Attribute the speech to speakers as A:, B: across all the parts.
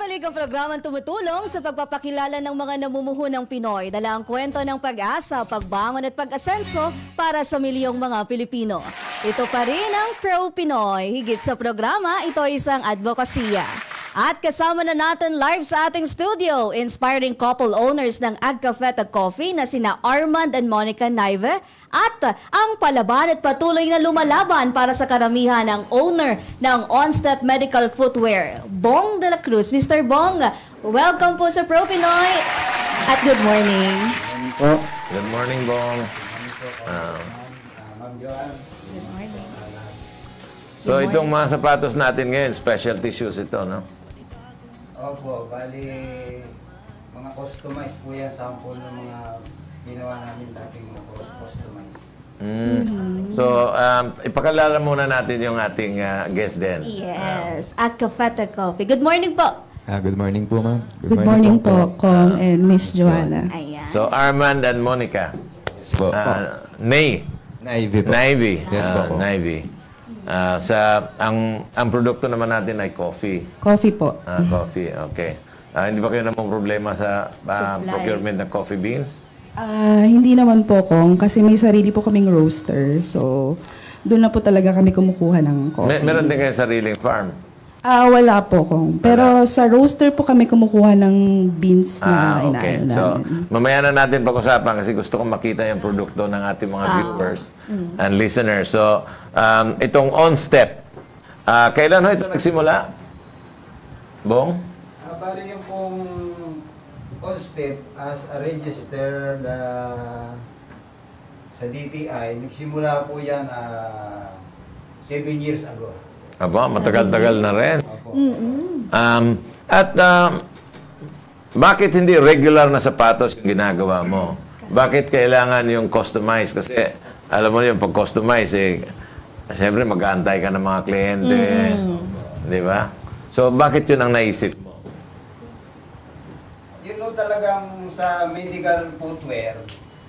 A: Bumabalik ang programang tumutulong sa pagpapakilala ng mga namumuhunang Pinoy. Dala ang kwento ng pag-asa, pagbangon at pag-asenso para sa milyong mga Pilipino. Ito pa rin ang Pro Pinoy. Higit sa programa, ito ay isang advokasya. At kasama na natin live sa ating studio, inspiring couple owners ng Agcafeta Coffee na sina Armand and Monica Naive at ang palaban at patuloy na lumalaban para sa karamihan ng owner ng On Step Medical Footwear, Bong de la Cruz. Mr. Bong, welcome po sa Pro Pinoy at good morning.
B: Good morning, Bong.
A: Good morning.
B: So itong mga sapatos natin ngayon, specialty shoes ito, no?
C: Opo, bali mga customized po yan, sample ng mga ginawa namin dating mga customized.
B: So, ipakalala muna natin yung ating guest din.
A: Yes, Agcafeta Coffee. Good morning po.
D: Good morning po, ma'am.
E: Good morning po, Kong and Miss Joanna.
A: Ayan.
B: So, Armand and Monica.
D: Yes po.
B: Navy po. Navy.
D: Yes po.
B: Navy. Ang produkto naman natin ay coffee.
E: Coffee po.
B: Coffee, okay. Hindi ba kayo namang problema sa
A: Supply.
B: procurement ng coffee beans?
E: Hindi naman po, Kong, kasi may sarili po kaming roaster. So, doon na po talaga kami kumukuha ng coffee.
B: Meron din kayo sariling farm?
E: Wala po, Kong. Pero sa roaster po kami kumukuha ng beans na
B: Okay.
E: inaano
B: So,
E: namin.
B: mamaya na natin pag-usapan kasi gusto kong makita yung produkto ng ating mga viewers and listeners. So, itong On-Step, kailan ho ito nagsimula? Bong?
C: Bali yung pong on step as a registered sa DTI, nagsimula po yan 7 years ago.
B: Aba, matagal-tagal na rin.
C: Opo.
B: Bakit hindi regular na sapatos yung ginagawa mo? Bakit kailangan yung customize? Kasi, alam mo yung pag-customize, siyempre mag-aantay ka ng mga kliyente. Di ba? So, bakit yun ang naisip mo?
C: Yun know, talagang sa medical footwear,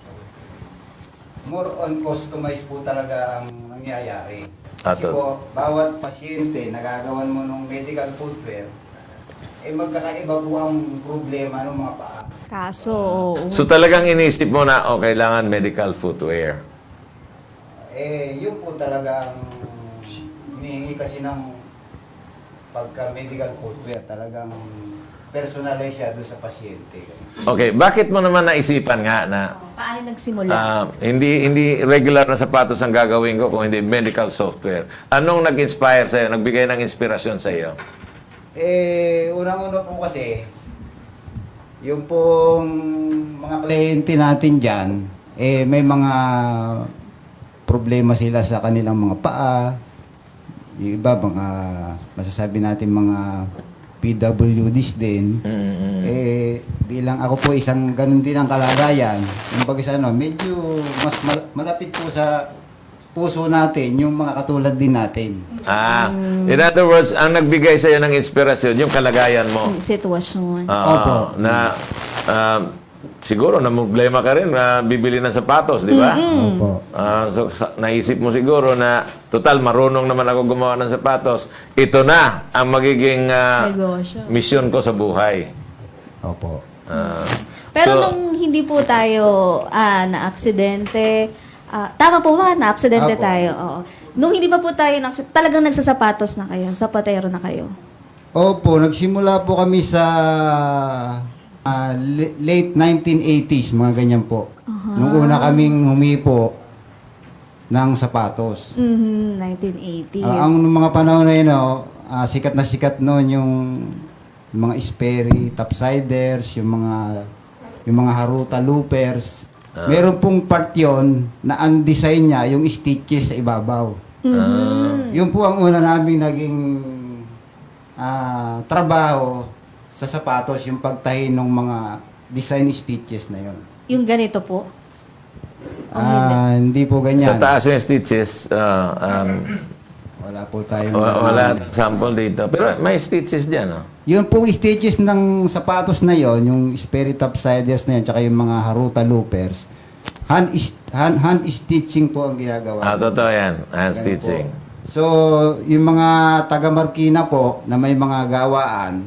C: more on customized po talaga ang nangyayari. Kasi
B: Ato.
C: po, bawat pasyente nagagawan mo ng medical footwear, magkakaiba po ang problema ng mga paa.
A: Kaso,
B: So, talagang inisip mo na, kailangan medical footwear.
C: Yun po talaga ang hinihingi kasi ng pagka-medical footwear, talagang personalize siya doon sa pasyente.
B: Okay, bakit mo naman naisipan nga na
A: paano nagsimula?
B: hindi regular na sapatos ang gagawin ko kung hindi medical software? Anong nag-inspire sa'yo? Nagbigay ng inspirasyon sa'yo?
C: Unang-una po kasi, yung pong mga kliyente natin dyan, may mga problema sila sa kanilang mga paa. Yung iba, mga masasabi natin mga PWDs din. Bilang ako po isang ganun din ang kalagayan, yung pag-isa medyo mas malapit po sa puso natin yung mga katulad din natin.
B: In other words, ang nagbigay sa'yo ng inspirasyon, yung kalagayan mo.
A: Sitwasyon.
C: Opo.
B: Na siguro na problema ka rin na bibili ng sapatos, di ba?
C: Opo.
B: So, naisip mo siguro na total marunong naman ako gumawa ng sapatos. Ito na ang magiging
A: Negosyo.
B: misyon ko sa buhay.
C: Opo.
A: Pero
B: So-
A: nung hindi po tayo na-aksidente, tama po ba? Na-aksidente
C: Apo.
A: tayo. Oo. Nung hindi pa po tayo talagang nagsasapatos na kayo, sapatero na kayo.
C: Opo, nagsimula po kami sa late 1980s, mga ganyan po. Nung una kaming humipo ng sapatos.
A: 1980s.
C: Ang mga panahon na yun, sikat na sikat noon yung mga Sperry, topsiders, yung mga Haruta loopers. Meron pong part yun na ang design niya, yung stitches sa ibabaw. Yun po ang una naming naging trabaho sa sapatos, yung pagtahi ng mga design stitches na yun.
A: Yung ganito po.
C: Hindi po ganyan.
B: Sa taas yung stitches,
C: Wala po tayong...
B: wala sample dito. Pero may stitches dyan, no?
C: Yung pong stitches ng sapatos na yon, yung Sperry topsiders na yun, tsaka yung mga Haruta loopers, hand stitching po ang ginagawa.
B: Totoo yan. Hand
C: Ganun
B: stitching.
C: po. So, yung mga taga Marikina po na may mga gawaan,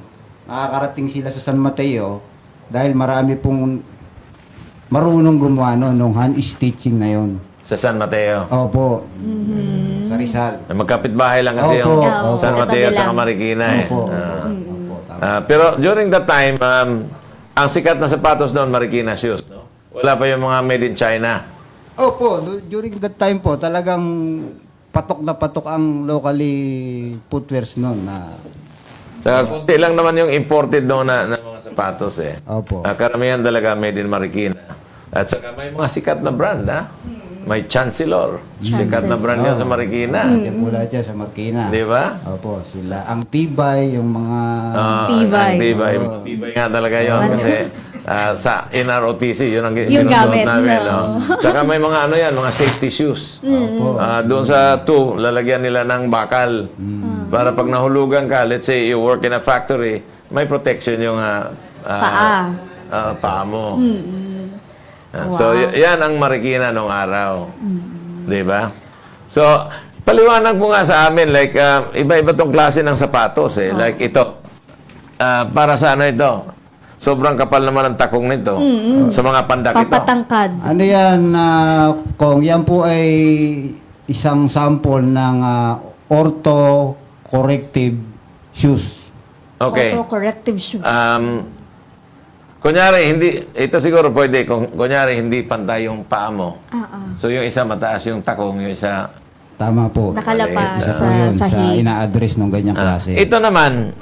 C: nakakarating sila sa San Mateo dahil marami pong marunong gumawa nung hand stitching na yon.
B: Sa San Mateo.
C: Opo. Sa Rizal.
B: Magkapit-bahay lang kasi
C: Opo.
B: yung San
A: Opo.
B: Mateo at
A: Katabi
B: saka
A: lang.
B: Marikina eh.
C: Opo.
B: Ah.
C: Opo, tama.
B: Pero during that time, ang sikat na sapatos doon, Marikina shoes, no? Wala pa yung mga made in China.
C: Opo, during that time po, talagang patok na patok ang locally footwears noon na
B: Saka kunti lang naman yung imported noon na mga sapatos eh.
C: Opo.
B: Karamihan talaga made in Marikina. At saka may mga sikat na brand, ha? May Chancellor. Sikat na brand yan sa Marikina.
C: Yan po lahat yan sa Marikina.
B: Di ba?
C: Opo, sila. Ang tibay, yung mga...
A: Tibay.
B: Ang tibay. Tibay nga talaga yun. Kasi sa NROTC, yun ang
A: Yung
B: sinusuot
A: gamit,
B: namin.
A: no?
B: Saka may mga ano yan, mga safety shoes.
C: Opo.
B: Doon sa 2, lalagyan nila ng bakal. Para pag nahulugan ka, let's say you work in a factory, may protection yung
A: Paa.
B: paa mo. So, yan ang Marikina nung araw. Di ba? So, paliwanag mo nga sa amin, like, iba-iba tong klase ng sapatos eh. Like ito. Para sa ano ito? Sobrang kapal naman ang takong nito. Sa mga pandak ito.
A: Papatangkad.
C: Ano yan, Kong? Yan po ay isang sample ng ortho-corrective shoes.
B: Okay.
A: Auto-corrective shoes.
B: Kunyari, ito siguro pwede, kunyari, hindi pantay yung paa mo. So, yung isa mataas yung takong, yung isa...
C: Tama po.
A: Nakalapa
C: Isa
A: sa
C: po yun sa
A: sahig.
C: ina-address ng ganyang klase.
B: Ito naman,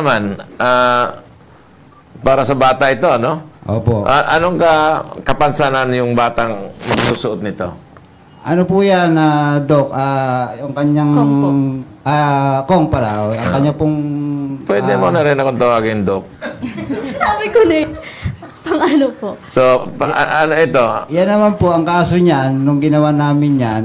B: para sa bata ito, ano?
C: Opo.
B: Anong kapansanan yung batang magsusuot nito?
C: Ano po yan, Doc? Yung kanyang...
A: Kong po.
C: Kong pala. Ang kanya pong...
B: Pwede mo na rin akong tawagin, Doc.
A: Sabi ko na pang ano po.
B: So, ano ito?
C: Yan naman po, ang kaso niyan, nung ginawa namin yan,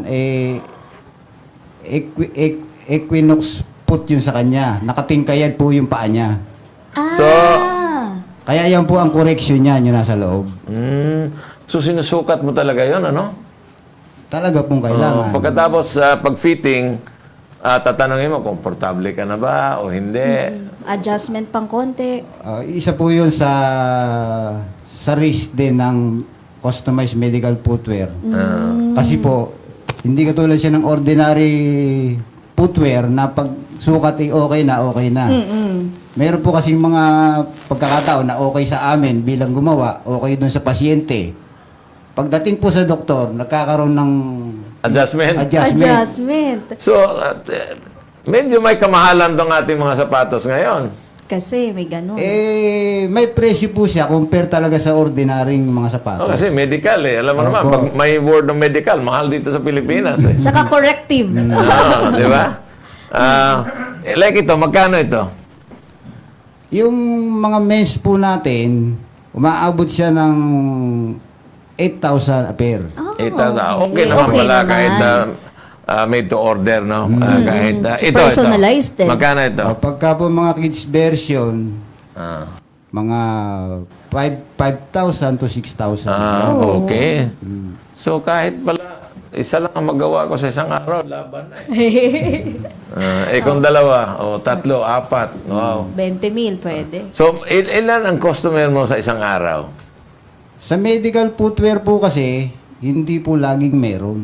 C: Equinox put yun sa kanya. Nakatingkayad po yung paa niya.
B: So-
C: Kaya yan po ang correction niya, yung nasa loob.
B: So, sinusukat mo talaga yon ano?
C: Talaga pong kailangan.
B: Pagkatapos sa pag-fitting, tatanungin mo, komportable ka na ba o hindi?
A: Adjustment pang konti.
C: Isa po yun sa risk din ng customized medical footwear. Kasi po, hindi katulad siya ng ordinary footwear na pag sukat ay okay na. Meron po kasing mga pagkakataon na okay sa amin bilang gumawa, okay dun sa pasyente. Pagdating po sa doktor, nagkakaroon ng
B: Adjustment?
A: Adjustment.
B: So, medyo may kamahalan tong ating mga sapatos ngayon.
A: Kasi may ganun.
C: May presyo po siya compare talaga sa ordinaryong mga sapatos.
B: Kasi medical eh. Alam mo naman,
C: Opo.
B: pag may word ng medical, mahal dito sa Pilipinas eh.
A: Saka corrective.
B: Di ba? Like ito, magkano ito?
C: Yung mga men's po natin, umaabot siya ng 8,000 a pair.
B: 8,000. Okay naman
A: Okay
B: pala
A: naman.
B: kahit made to order, no? Kahit ito.
A: Personalized din.
B: Magkano ito?
C: Pagka po mga kids version, mga 5,000 to 6,000.
B: Okay. So kahit pala, isa lang ang magawa ko sa isang araw, laban na eh. Kung dalawa, o tatlo, apat, wow.
A: 20,000 pwede.
B: So, ilan ang customer mo sa isang araw?
C: Sa medical footwear po kasi, hindi po laging meron.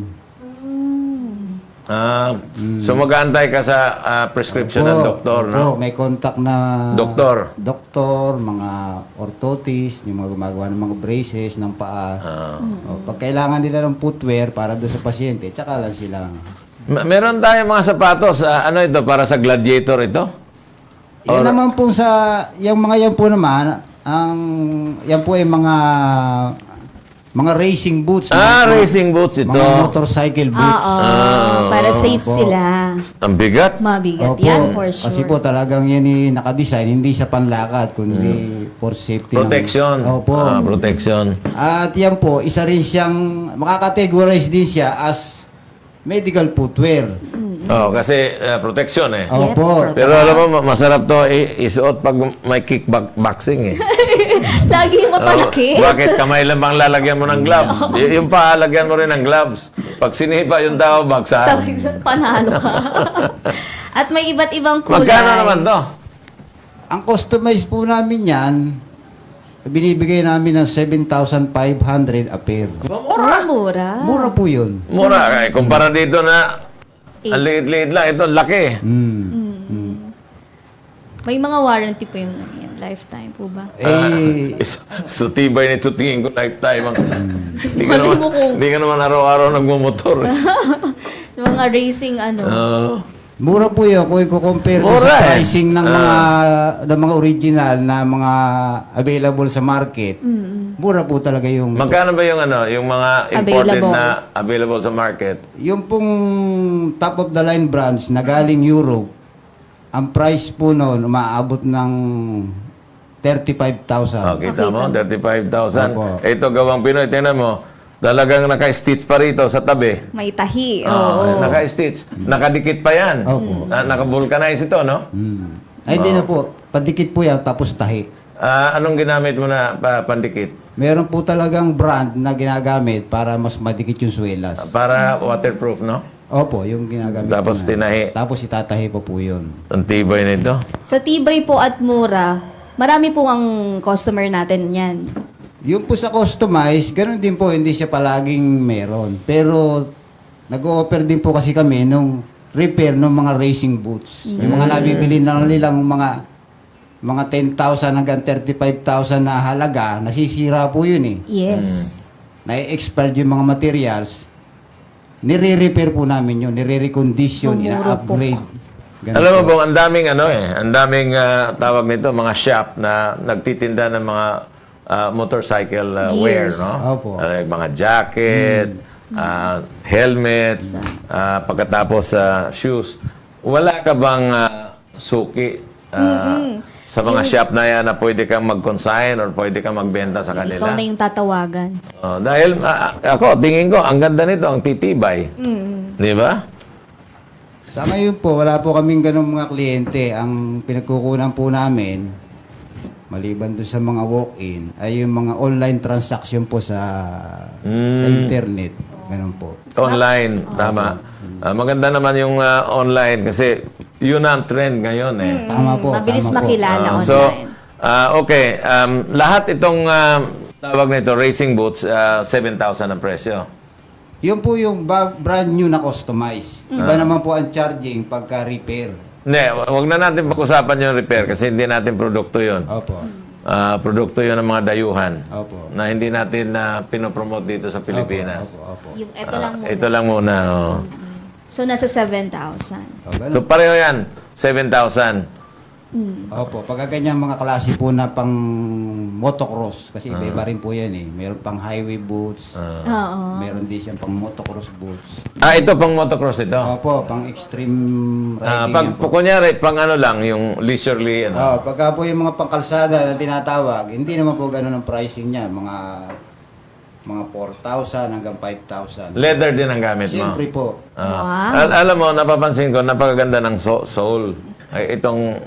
B: So mag-aantay ka sa prescription ng doktor, no?
C: Opo, may contact na
B: Doktor.
C: doktor, mga orthotist, yung mga gumagawa ng mga braces ng paa. Pag kailangan nila ng footwear para doon sa pasyente, tsaka lang sila.
B: Meron tayong mga sapatos, ano ito, para sa gladiator ito?
C: Yan naman po yung mga yan po naman, yan po ay mga racing boots.
B: Racing boots ito.
C: Mga motorcycle boots.
A: Para safe
C: Opo.
A: sila.
B: Ang bigat.
A: Mabigat.
C: Opo,
A: Yan for sure.
C: Kasi po talagang yan nakadesign, hindi sa panlakad, kundi for safety.
B: Protection.
C: Opo.
B: Protection.
C: At yan po, isa rin siyang, makakategorize din siya as medical footwear.
B: Kasi protection eh.
C: Opo.
B: Pero alam mo, masarap to isuot pag may kickboxing eh.
A: Lagi mapalaki.
B: Bakit? Kamay lang bang lalagyan mo ng gloves? Yung paa, lagyan mo rin ng gloves. Pag sinipa yung tao, bagsahan.
A: Panalo ka. At may iba't ibang kulay.
B: Magkano naman to?
C: Ang customize po namin yan, binibigay namin ng 7,500 a pair.
A: Mura.
C: Mura po yun.
B: Mura. Kumpara dito na ang liit-liit lang. Ito, laki.
A: May mga warranty po yung yan. Lifetime po ba?
B: So, tibay nito tingin ko lifetime. Hindi ka
A: Malay
B: naman,
A: mo kung-
B: hindi ka naman araw-araw nagmumotor.
A: Yung mga racing ano.
C: Mura po yun kung i-compare doon
B: Mura
C: sa
B: eh.
C: pricing ng mga original na mga available sa market. Mura po talaga yung
B: Magkano ba yung yung mga imported
A: Available.
B: na available sa market?
C: yung pong top of the line brands na galing Europe. Ang price po noon umaabot ng 35,000.
B: Okay, mo, 35,000.
C: Opo.
B: Ito gawang Pinoy, tingnan mo, talagang naka-stitch pa rito sa tabi.
A: May tahi.
B: Oo, naka-stitch. Nakadikit pa yan.
C: Opo.
B: Naka-vulcanize ito, no?
C: Ay, hindi na po. Padikit po yan, tapos tahi.
B: Anong ginamit mo na pandikit?
C: Meron po talagang brand na ginagamit para mas madikit yung swelas.
B: Para waterproof, no?
C: Opo, yung ginagamit
B: Tapos
C: po na.
B: tinahi.
C: Tapos itatahi pa po yun.
B: Ang tibay nito.
A: Sa tibay po at mura, marami po ang customer natin yan.
C: Yung po sa customize, ganun din po, hindi siya palaging meron. Pero nag-o-offer din po kasi kami nung repair ng mga racing boots. Yung mga nabibili na nilang mga 10,000 hanggang 35,000 na halaga, nasisira po yun eh.
A: Yes.
C: Na-expired yung mga materials, nire-repair po namin yun, nire-recondition,
A: Mumuro
C: ina-upgrade. Ganun
B: Alam mo
C: po.
B: bang ang daming ang daming tawag nito, mga shop na nagtitinda ng mga motorcycle wear,
A: Gears.
B: no?
C: Opo.
B: Mga jacket, helmets, pagkatapos shoes. Wala ka bang suki sa mga shop na yan na pwede kang mag-consign or pwede kang magbenta sa kanila?
A: Ikaw na yung tatawagan.
B: Dahil ako, tingin ko, ang ganda nito, ang titibay. Di ba?
C: Sa ngayon po, wala po kaming ganong mga kliyente. Ang pinagkukunan po namin, maliban doon sa mga walk-in, ay yung mga online transaction po sa internet. Ganon po.
B: Online, tama. Maganda naman yung online kasi yun ang trend ngayon eh.
C: Tama po.
A: Mabilis
C: tama po.
A: makilala online.
B: So, okay. Lahat itong tawag nito, racing boots, 7,000 ang presyo.
C: Yun po yung brand new na customize. Iba naman po ang charging pagka repair.
B: Hindi, wag na natin pag-usapan yung repair kasi hindi natin produkto yun.
C: Opo.
B: Produkto yun ng mga dayuhan
C: Opo.
B: na hindi natin pinopromote dito sa Pilipinas.
C: Opo.
A: Yung ito lang muna.
B: Ito lang muna. Oh.
A: So, nasa 7,000.
C: O, ganun.
B: So, pareho yan. 7,000.
C: Opo, pagka ganyan mga klase po na pang motocross, kasi iba rin po yan eh. Meron pang highway boots,
A: Oo.
C: meron din siyang pang motocross boots.
B: Ito pang motocross ito.
C: Opo, pang extreme riding
B: Pag
C: yan po.
B: kunyari, pang ano lang, yung leisurely, ano.
C: Pagka po yung mga pangkalsada na tinatawag, hindi naman po ganun ang pricing niya. Mga 4,000 hanggang 5,000.
B: Leather din ang gamit mo.
C: Siyempre po.
B: Alam mo, napapansin ko, napakaganda ng sole. Ay,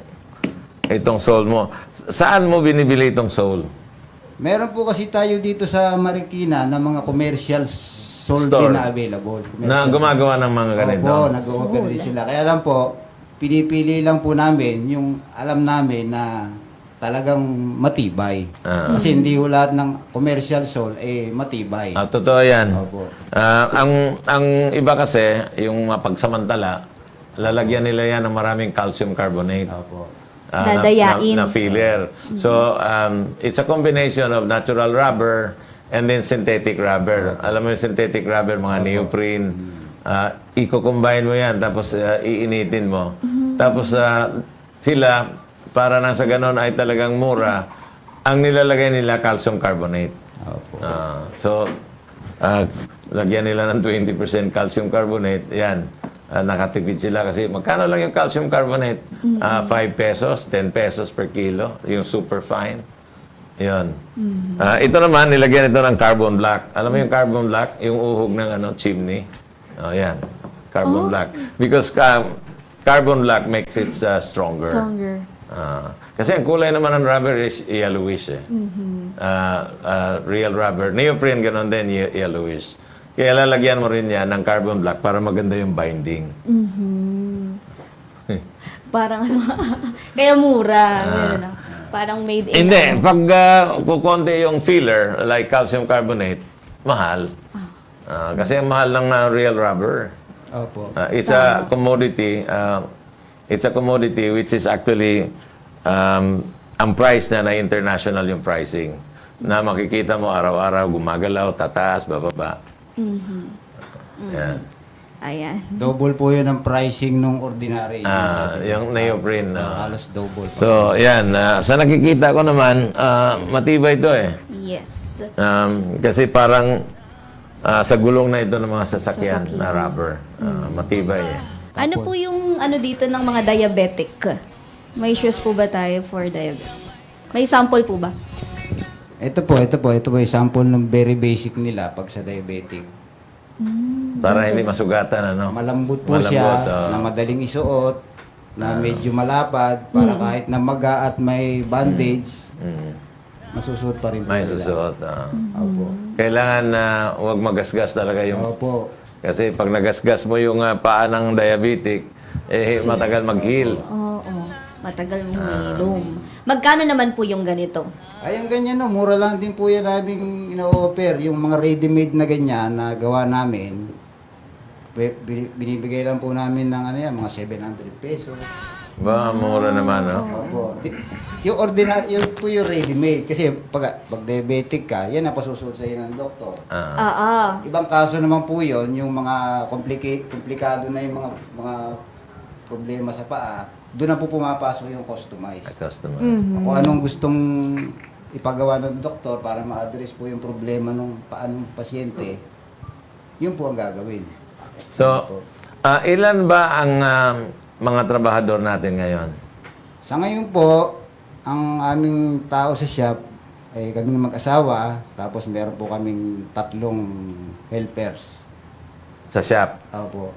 B: itong sole mo. Saan mo binibili itong sole?
C: Meron po kasi tayo dito sa Marikina na mga commercial sold
B: Store.
C: din na available.
B: Na gumagawa ng mga ganito?
C: Opo, nag-offer din sila. Kaya lang po, pinipili lang po namin yung alam namin na talagang matibay. Kasi hindi ho lahat ng commercial sole matibay.
B: Totoo yan.
C: Opo.
B: Ang iba kasi, yung mapagsamantala, lalagyan nila yan ng maraming calcium carbonate.
C: Opo.
A: Dadayain.
B: Na filler. So, it's a combination of natural rubber and then synthetic rubber. Alam mo yung synthetic rubber, mga neoprene. I-combine mo yan, tapos iinitin mo. Tapos sila, para nang sa ganon ay talagang mura, ang nilalagay nila calcium carbonate.
C: Opo.
B: Lagyan nila ng 20% calcium carbonate. Yan. Nakatipid sila kasi magkano lang yung calcium carbonate? 5 pesos, 10 pesos per kilo. Yung super fine. Yun. Ito naman, nilagyan ito ng carbon black. Alam mo yung carbon black? Yung uhog ng chimney. Yan. Carbon black. Because carbon black makes it stronger.
A: Stronger.
B: Kasi ang kulay naman ng rubber is yellowish eh. Real rubber. Neoprene, ganon din, yellowish. Kaya lalagyan mo rin yan ng carbon black para maganda yung binding.
A: Parang ano, kaya mura. Ganun, no? Parang made in
B: Hindi,
A: ano.
B: pag kukonti yung filler, like calcium carbonate, mahal. Kasi ang mahal lang na real rubber.
C: Opo.
B: It's a commodity. It's a commodity which is actually ang price na international yung pricing. Na makikita mo araw-araw, gumagalaw, tataas, bababa. Yan.
A: Ayan.
C: Double po yun ang pricing nung ordinary.
B: Yung neoprene.
C: Halos double po.
B: So, yan. Sa nakikita ko naman, matibay ito eh.
A: Yes.
B: Kasi parang sa gulong na ito ng mga sasakyan na rubber. Matibay eh.
A: Ano po yung ano dito ng mga diabetic? May shoes po ba tayo for diabetic? May sample po ba?
C: Ito po yung sample ng very basic nila pag sa diabetic.
B: Para hindi masugatan, ano?
C: Malambot po
B: Malambot,
C: siya, na madaling isuot, na medyo malapad, para kahit na maga at may bandage, masusuot pa rin po
B: May
C: nila.
B: susuot.
C: Opo.
B: Kailangan na huwag magasgas talaga yung...
C: Opo.
B: Kasi pag nagasgas mo yung paa ng diabetic, matagal mag-heal.
A: Oo. Matagal humilom. Magkano naman po yung ganito?
C: Ay, ang ganyan no, mura lang din po yan naming ino-offer. Yung mga ready-made na ganyan na gawa namin, binibigay lang po namin ng ano yan, mga 700 pesos.
B: Ba, mura naman, no?
C: Opo. Yung ordinary, yung po yung ready-made. Kasi pag diabetic ka, yan ang pasusunod sa ng doktor. Ibang kaso naman po yun, yung mga komplikado na yung mga problema sa paa, doon na po pumapasok yung customized.
B: Customers.
C: Kung anong gustong ipagawa ng doktor para ma-address po yung problema ng paa ng pasyente, yun po ang gagawin.
B: So, ilan ba ang mga trabahador natin ngayon?
C: Sa ngayon po, ang aming tao sa shop, ay kaming mag-asawa, tapos meron po kaming 3 helpers.
B: Sa shop?
C: Opo.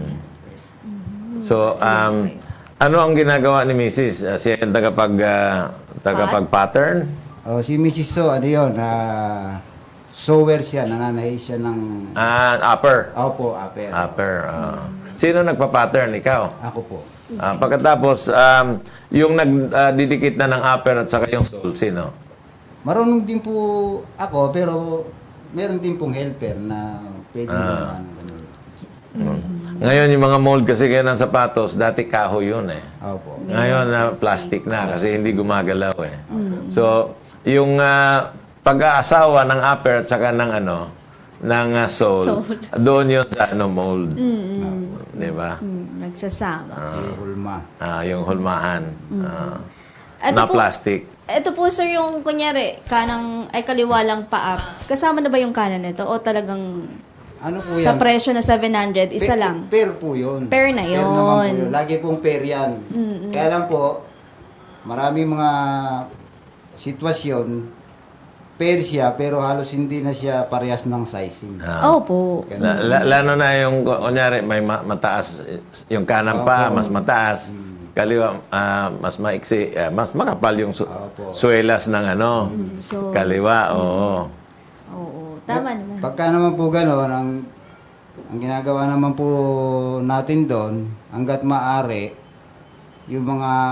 B: So, ano ang ginagawa ni Mrs.? Siya yung tagapag-pattern?
C: Si Mrs. So, ano yun, sewer siya, nananahi siya ng...
B: Upper?
C: Opo, upper.
B: Upper. Sino nagpa-pattern? Ikaw?
C: Ako po.
B: Pagkatapos, yung nagdidikit na ng upper at saka yung sole, sino?
C: Marunong din po ako, pero meron din pong helper na pwede naman. Ganun.
B: Ngayon, yung mga mold kasi kaya ng sapatos, dati kahoy yun eh.
C: Opo.
B: Ngayon, plastic na kasi hindi gumagalaw eh. So, yung pag-aasawa ng upper at saka ng sole, doon yun sa mold. Di ba?
A: Nagsasama.
C: Yung hulma.
B: Yung hulmahan.
A: Ito
B: Na
A: po-
B: plastic.
A: Ito po sir yung kunyari, kaliwa lang paa. Kasama na ba yung kanan nito? O talagang
C: Ano po
A: sa
C: yan?
A: presyo na 700, isa lang?
C: Pair po yun.
A: Pair na
C: Pair naman po
A: yun.
C: yun. Lagi pong pair yan. Kaya lang po, maraming mga sitwasyon, pair siya, pero halos hindi na siya parehas ng sizing.
A: Opo.
B: Lalo na yung, kunyari, may mataas, yung kanan pa, mas mataas. Kaliwa, mas maiksi, mas makapal yung suelas ng
A: So,
B: kaliwa, oo.
A: tama naman.
C: Pagka naman po gano'n, ang ginagawa naman po natin doon, hanggat maaari, yung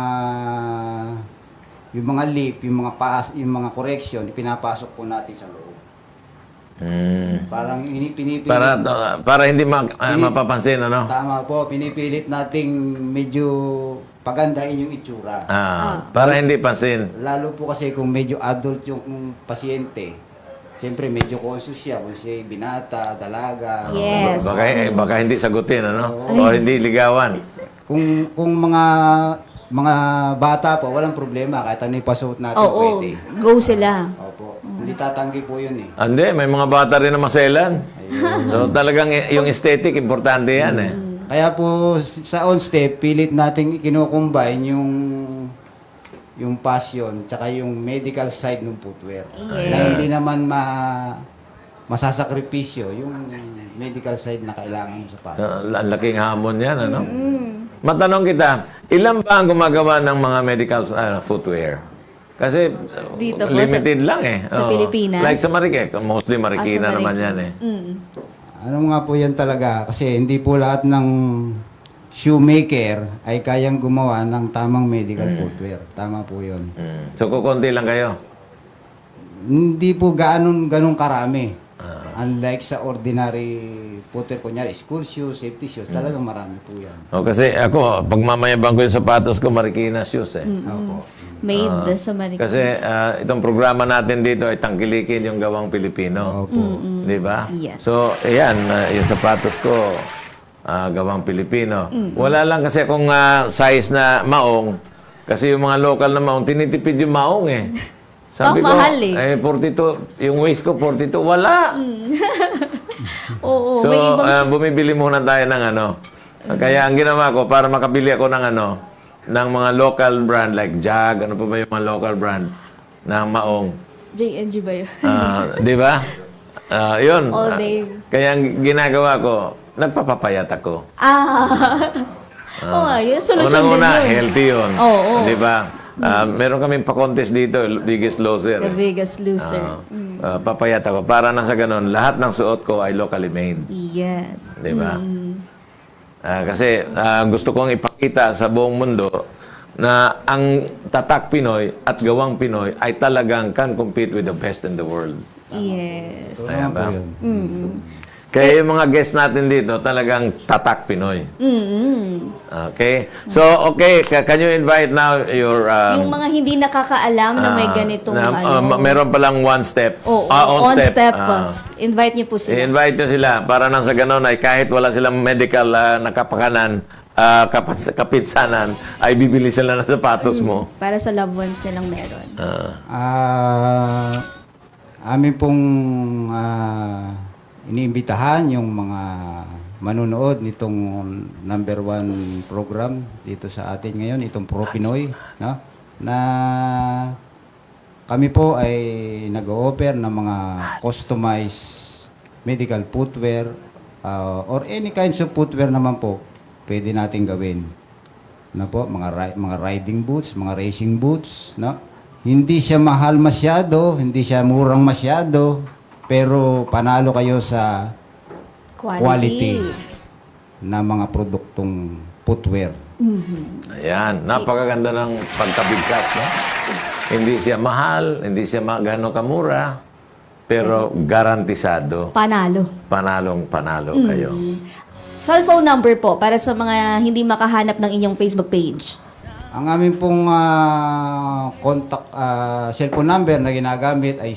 C: mga lip, yung mga correction, pinapasok po natin sa loob. Parang pinipilit.
B: Para hindi mapapansin, ano?
C: Tama po, pinipilit nating medyo pagandahin yung itsura.
B: Para hindi pansin.
C: Lalo po kasi kung medyo adult yung pasyente, siyempre medyo conscious siya kung siya binata, dalaga.
A: Yes.
B: Baka hindi sagutin, ano? O hindi ligawan.
C: Kung mga bata po, walang problema. Kahit ano ipasuot natin,
A: Oo,
C: pwede.
A: go sila.
C: Opo. Hindi tatanggi po yun eh.
B: Hindi, may mga bata rin na maselan. So talagang yung aesthetic, importante yan eh.
C: Kaya po sa on step, pilit nating kino-combine yung passion tsaka yung medical side ng footwear.
A: Yes.
C: Na hindi naman masasakripisyo yung medical side na kailangan mo sa pato.
B: Ang laking hamon yan, ano? Matanong kita, ilan ba ang gumagawa ng mga medical footwear? Kasi
A: Dito po,
B: limited lang eh.
A: sa
B: Oo.
A: Pilipinas?
B: Like sa Marikina, mostly Marikina
A: Sa
B: naman
A: Marikina.
B: yan eh.
C: Ano nga po yan talaga kasi hindi po lahat ng shoemaker ay kayang gumawa ng tamang medical footwear. Tama po yun.
B: So, kukunti lang kayo.
C: Hindi po ganun karami. Unlike sa ordinary footwear, kunyari school shoes, safety shoes, talagang marami po yan.
B: O, kasi ako, pag mamayabang ko yung sapatos ko, Marikina shoes eh.
C: Opo.
A: Made sa Marikina.
B: Kasi itong programa natin dito ay tangkilikin yung gawang Pilipino.
C: Opo.
B: Di ba?
A: Yes.
B: So, ayan, yung sapatos ko, gawang Pilipino. Wala lang kasi akong size na maong. Kasi yung mga local na maong, tinitipid yung maong eh. Sabi ko,
A: mahal eh.
B: 42, yung waist ko 42, wala.
A: Oo,
B: So,
A: may ibang...
B: bumibili muna tayo ng ano. Kaya ang ginawa ko, para makabili ako ng ano, ng mga local brand like Jag, ano pa ba yung mga local brand ng maong.
A: JNG ba yun?
B: Di ba? Yun.
A: All day.
B: Kaya ang ginagawa ko, nagpapapayat ako.
A: Oo nga, yun. Solusyon din
B: Unang-una,
A: yun.
B: healthy yun.
A: Oo.
B: Di ba? Meron kaming pa-contest dito, Biggest Loser.
A: The biggest loser.
B: Papayat ako. Para na sa ganun, lahat ng suot ko ay locally made.
A: Yes.
B: Di ba? Kasi gusto kong ipakita sa buong mundo na ang tatak Pinoy at gawang Pinoy ay talagang can compete with the best in the world.
A: Yes.
B: Ayan ba?
C: Po yun.
B: Kaya yung mga guests natin dito, talagang tatak Pinoy. Okay? So, okay, can you invite now your...
A: Yung mga hindi nakakaalam na may ganitong
B: meron palang one step.
A: Oo,
B: on
A: on step.
B: Ah.
A: Invite niyo po sila.
B: I-invite nyo sila para nang sa ganun ay kahit wala silang medical na kapakanan, kapitsanan, ay bibili sila ng sapatos mo.
A: Para sa loved ones nilang meron.
C: Amin pong iniimbitahan yung mga manunood nitong number 1 program dito sa atin ngayon, itong Pro Pinoy, no? Na kami po ay nag-o-offer ng mga customized medical footwear or any kinds of footwear naman po pwede natin gawin. Na po, mga riding boots, mga racing boots, no? Hindi siya mahal masyado, hindi siya murang masyado, pero panalo kayo sa quality na mga produktong footwear.
B: Ayan, napakaganda ng pagkabigkas, no? Hindi siya mahal, hindi siya gano'ng kamura, pero garantisado.
A: Panalo.
B: Panalo kayo.
A: Cellphone number po para sa mga hindi makahanap ng inyong Facebook page.
C: Ang aming pong contact cellphone number na ginagamit ay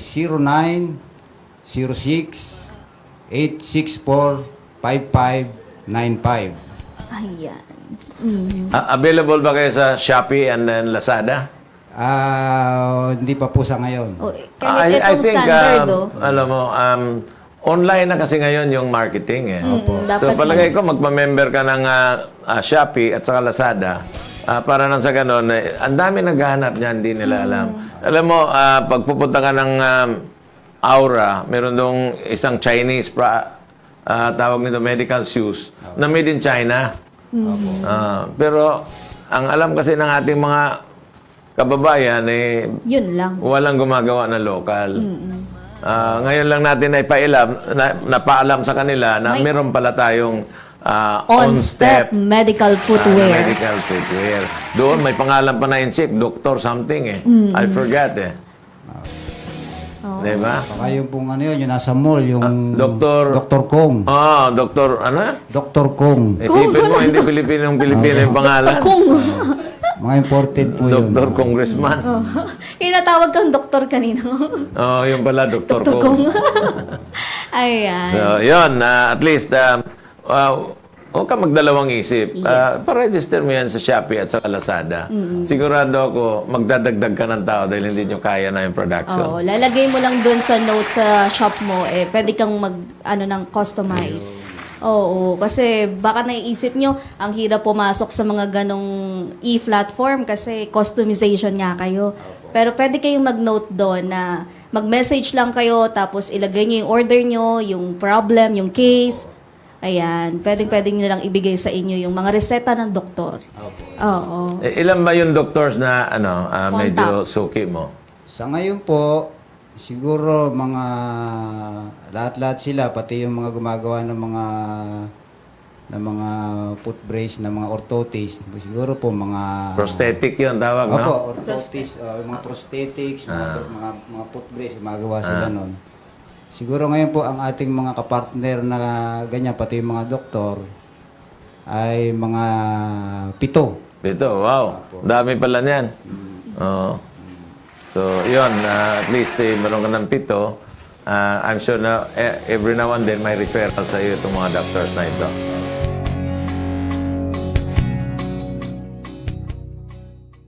C: 0906-864-5595.
A: Ayan.
B: Available ba kayo sa Shopee and then Lazada?
C: Hindi pa po sa ngayon.
A: O, kahit itong standard,
B: alam mo, online na kasi ngayon yung marketing eh. So
A: dapat
B: palagay ko magpa-member ka ng Shopee at saka Lazada para nang sa ganun, ang dami naghahanap niyan, hindi nila alam. Alam mo, pag pupunta ka ng Aura, meron dong isang Chinese tawag nito medical shoes na made in China. Pero ang alam kasi ng ating mga kababayan
A: yun lang.
B: walang gumagawa na local. Ngayon lang natin ay napaalam sa kanila na meron pala tayong
A: On-step medical footwear.
B: medical footwear. Doon may pangalan pa na insik, Doctor something eh. I forgot eh. Diba?
C: Baka yung pong ano yun, yung nasa mall, yung
B: Dr.
C: Kong.
B: Doktor, ano?
C: Dr. Kong.
B: Isipin mo, hindi Pilipino yung pangalan.
A: Kung
C: Mga imported po yun.
B: Doktor Congressman.
A: kinatawag kang doktor kanino.
B: Yung pala, Doktor
A: Doktor
B: Kong.
A: Kung. Ayan.
B: So, yun, at least, huwag ka magdalawang isip. Pa-register mo yan sa Shopee at sa Lazada. Sigurado ako, magdadagdag ka ng tao dahil hindi nyo kaya na yung production.
A: Oo, lalagay mo lang dun sa note sa shop mo, pwede kang ng customize. Oo, kasi baka naiisip nyo, ang hirap pumasok sa mga ganong e-platform kasi customization nga kayo. Pero pwede kayong mag-note doon na mag-message lang kayo, tapos ilagay nyo yung order nyo, yung problem, yung case. Ayan, pwedeng nilang ibigay sa inyo yung mga reseta ng doktor. Oo.
B: Ilan ba yung doctors na medyo suki mo?
C: Sa ngayon po, siguro mga lahat-lahat sila, pati yung mga gumagawa ng mga na mga foot brace, na mga orthotics. Siguro po mga...
B: Prosthetic yun tawag, no?
C: Opo, orthotics, mga prosthetics, mga foot brace, gumagawa sila nun. Siguro ngayon po ang ating mga kapartner na ganyan, pati yung mga doktor, ay mga 7.
B: Ito, wow. Dami pala niyan. Oo. So, yun. At least, meron ka ng 7. I'm sure na every now and then may referral sa iyo itong mga doctors na ito.